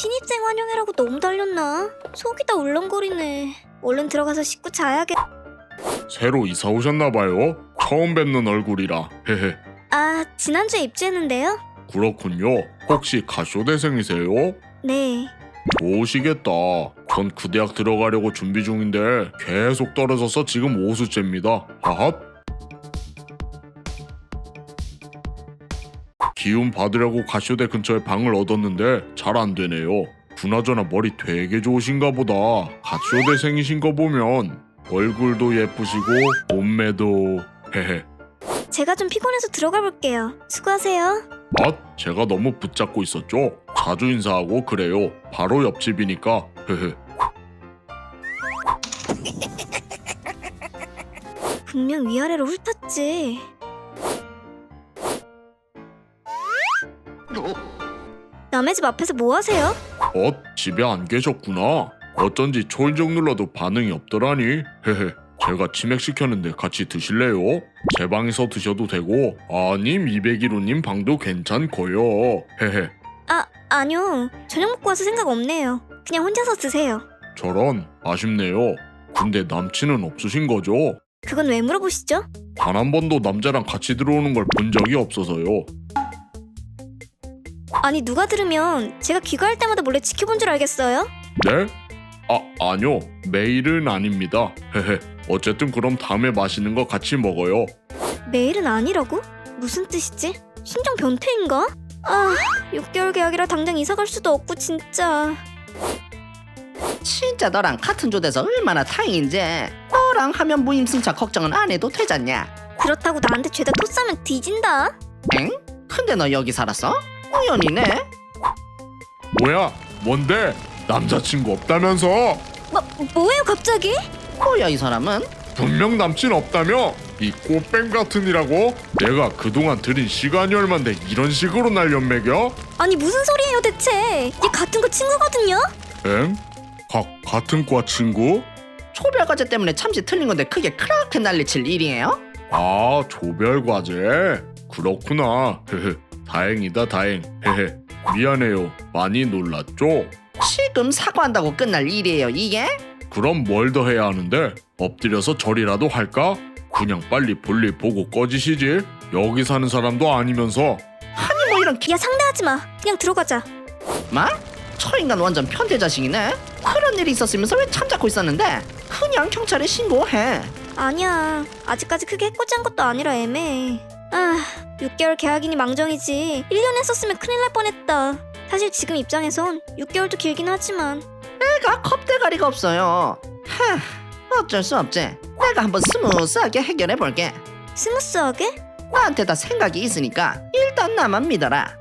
신입생 환영회라고 너무 달렸나? 속이 다 울렁거리네. 얼른 들어가서 씻고 자야겠... 새로 이사 오셨나봐요. 처음 뵙는 얼굴이라. 헤헤. 아, 지난주에 입주했는데요? 그렇군요. 혹시 가쇼대생이세요? 네. 좋으시겠다. 전 그 대학 들어가려고 준비 중인데 계속 떨어져서 지금 오수째입니다. 하핫. 기운 받으려고 가쇼대 근처에 방을 얻었는데 잘 안 되네요. 그나저나 머리 되게 좋으신가 보다. 가쇼대생이신 거 보면 얼굴도 예쁘시고 몸매도... 헤헤. 제가 좀 피곤해서 들어가 볼게요. 수고하세요. 제가 너무 붙잡고 있었죠? 자주 인사하고 그래요. 바로 옆집이니까. 헤헤. 분명 위아래로 훑었지. 남의 집 앞에서 뭐 하세요? 집에 안 계셨구나. 어쩐지 초인종 눌러도 반응이 없더라니. 헤헤. 제가 치맥시켰는데 같이 드실래요? 제 방에서 드셔도 되고 아님 201호님 방도 괜찮고요. 헤헤. 아니요. 저녁 먹고 와서 생각 없네요. 그냥 혼자서 드세요. 저런, 아쉽네요. 근데 남친은 없으신 거죠? 그건 왜 물어보시죠? 단 한 번도 남자랑 같이 들어오는 걸 본 적이 없어서요. 아니, 누가 들으면 제가 귀가할 때마다 몰래 지켜본 줄 알겠어요? 네? 아니요. 매일은 아닙니다. 헤헤. 어쨌든 그럼 다음에 맛있는 거 같이 먹어요. 매일은 아니라고? 무슨 뜻이지? 신종 변태인가? 6개월 계약이라 당장 이사 갈 수도 없고 진짜. 진짜 너랑 같은 조대서 얼마나 다행인지. 너랑 하면 무임승차 걱정은 안 해도 되잖냐. 그렇다고 나한테 죄다 토 싸면 뒤진다. 엥? 근데 너 여기 살았어? 우연이네. 뭐야? 뭔데? 남자친구 없다면서? 뭐예요 갑자기? 뭐야 이 사람은? 분명 남친 없다며? 이 꽃뱀 같으니라고? 내가 그동안 들인 시간이 얼만데 이런 식으로 날 연맥여? 아니 무슨 소리예요 대체? 얘 같은 거 친구거든요? 엥? 같은 과 친구? 초별과제 때문에 참지 틀린 건데 그게 그렇게 난리칠 일이에요? 조별과제? 그렇구나. 헤헤. 다행이다 다행. 헤헤. 미안해요. 많이 놀랐죠? 지금 사과한다고 끝날 일이에요 이게? 그럼 뭘 더 해야 하는데? 엎드려서 절이라도 할까? 그냥 빨리 볼일 보고 꺼지시지. 여기 사는 사람도 아니면서. 아니 뭐 이런 야 상대하지 마. 그냥 들어가자. 마? 저 인간 완전 변태 자식이네. 그런 일이 있었으면서 왜 참잡고 있었는데? 그냥 경찰에 신고해. 아니야. 아직까지 크게 해코지한 것도 아니라 애매해. 6개월 계약이니 망정이지. 1년 했었으면 큰일 날 뻔했다. 사실 지금 입장에선 6개월도 길긴 하지만 내가 겁대가리가 없어요. 어쩔 수 없지. 내가 한번 스무스하게 해결해 볼게. 스무스하게? 나한테 다 생각이 있으니까 일단 나만 믿어라.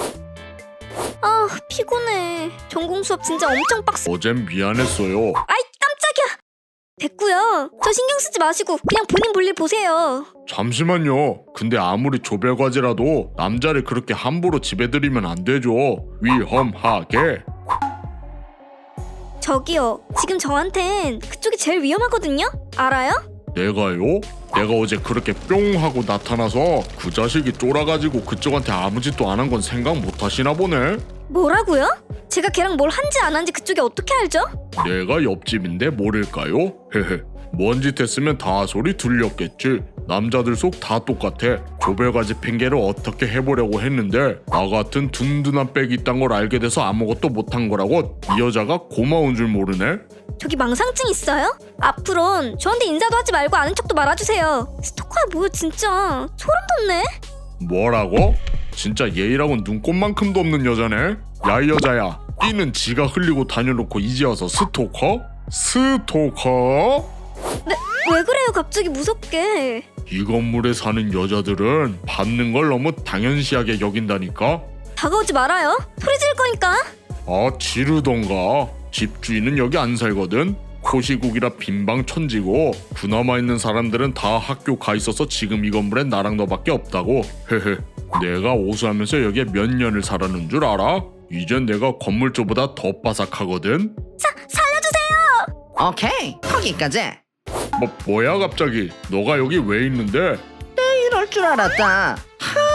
피곤해. 전공 수업 진짜 엄청 빡세. 어젠 미안했어요. 아이 깜짝이야. 됐고요. 저 신경 쓰지 마시고 그냥 본인 볼일 보세요. 잠시만요. 근데 아무리 조별과제라도 남자를 그렇게 함부로 집에 들이면 안 되죠. 위험하게. 저기요. 지금 저한텐 그쪽이 제일 위험하거든요? 알아요? 내가요? 내가 어제 그렇게 뿅 하고 나타나서 그 자식이 쫄아가지고 그쪽한테 아무 짓도 안 한 건 생각 못 하시나 보네? 뭐라고요? 제가 걔랑 뭘 한지 안 한지 그쪽이 어떻게 알죠? 내가 옆집인데 모를까요? 헤헤. 뭔 짓 했으면 다 소리 들렸겠지. 남자들 속 다 똑같아. 조별과제 핑계를 어떻게 해보려고 했는데 나 같은 둔둔한 백이 있단 걸 알게 돼서 아무것도 못한 거라고 이 여자가 고마운 줄 모르네? 저기 망상증 있어요? 앞으론 저한테 인사도 하지 말고 아는 척도 말아주세요. 스토커야 뭐야 진짜. 소름 돋네. 뭐라고? 진짜 예의라곤 눈꼽만큼도 없는 여자네? 야 이 여자야, 끼는 지가 흘리고 다녀놓고 이제 와서 스토커? 스토커? 왜 그래요 갑자기 무섭게. 이 건물에 사는 여자들은 받는 걸 너무 당연시하게 여긴다니까? 다가오지 말아요. 소리 지를 거니까. 지르던가. 집주인은 여기 안 살거든? 코시국이라 빈방 천지고 그나마 있는 사람들은 다 학교 가 있어서 지금 이 건물에 나랑 너밖에 없다고. 헤헤. 내가 오수하면서 여기에 몇 년을 살았는 줄 알아? 이젠 내가 건물주보다 더 바삭하거든? 살려주세요. 오케이 거기까지. 뭐야 갑자기? 너가 여기 왜 있는데? 이럴 줄 알았다.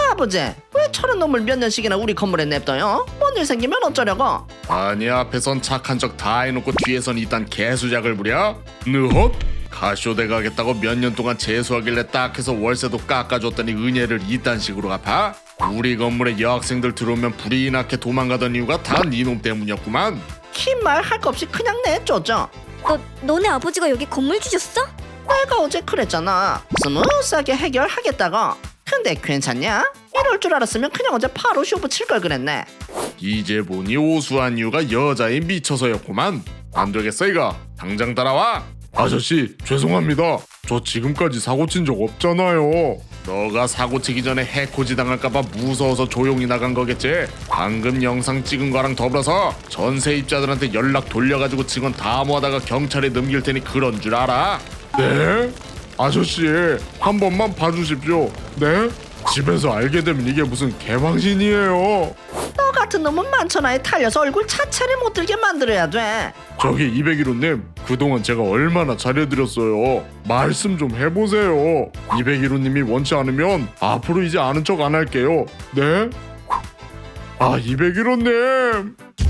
아버지, 왜 저런 놈을 몇 년씩이나 우리 건물에 냅둬요? 뭔 일 생기면 어쩌려고? 아니 앞에선 착한 척 다 해놓고 뒤에선 이딴 개수작을 부려? 느헛? 가쇼대 가겠다고 몇 년 동안 재수하길래 딱 해서 월세도 깎아줬더니 은혜를 이딴 식으로 갚아? 우리 건물에 여학생들 들어오면 불이 나게 도망가던 이유가 다 니놈 때문이었구만. 긴 말 할 거 없이 그냥 내쫓죠. 너네 아버지가 여기 건물 주셨어? 내가 어제 그랬잖아. 스무스하게 해결하겠다고. 근데 괜찮냐? 이럴 줄 알았으면 그냥 어제 바로 쇼부 칠 걸 그랬네. 이제 보니 오수한 이유가 여자에 미쳐서였구만. 안 되겠어 이거. 당장 따라와. 아저씨 죄송합니다. 저 지금까지 사고 친 적 없잖아요. 너가 사고 치기 전에 해코지 당할까봐 무서워서 조용히 나간 거겠지. 방금 영상 찍은 거랑 더불어서 전세입자들한테 연락 돌려가지고 증언 다 모아다가 경찰에 넘길 테니 그런 줄 알아? 네? 아저씨 한 번만 봐주십시오. 네? 집에서 알게 되면 이게 무슨 개방신이에요. 너 같은 놈은 만천하에 탈려서 얼굴 자체를 못 들게 만들어야 돼. 저기 201호님 그동안 제가 얼마나 잘해드렸어요. 말씀 좀 해보세요. 201호님이 원치 않으면 앞으로 이제 아는 척 안 할게요. 네? 아 201호님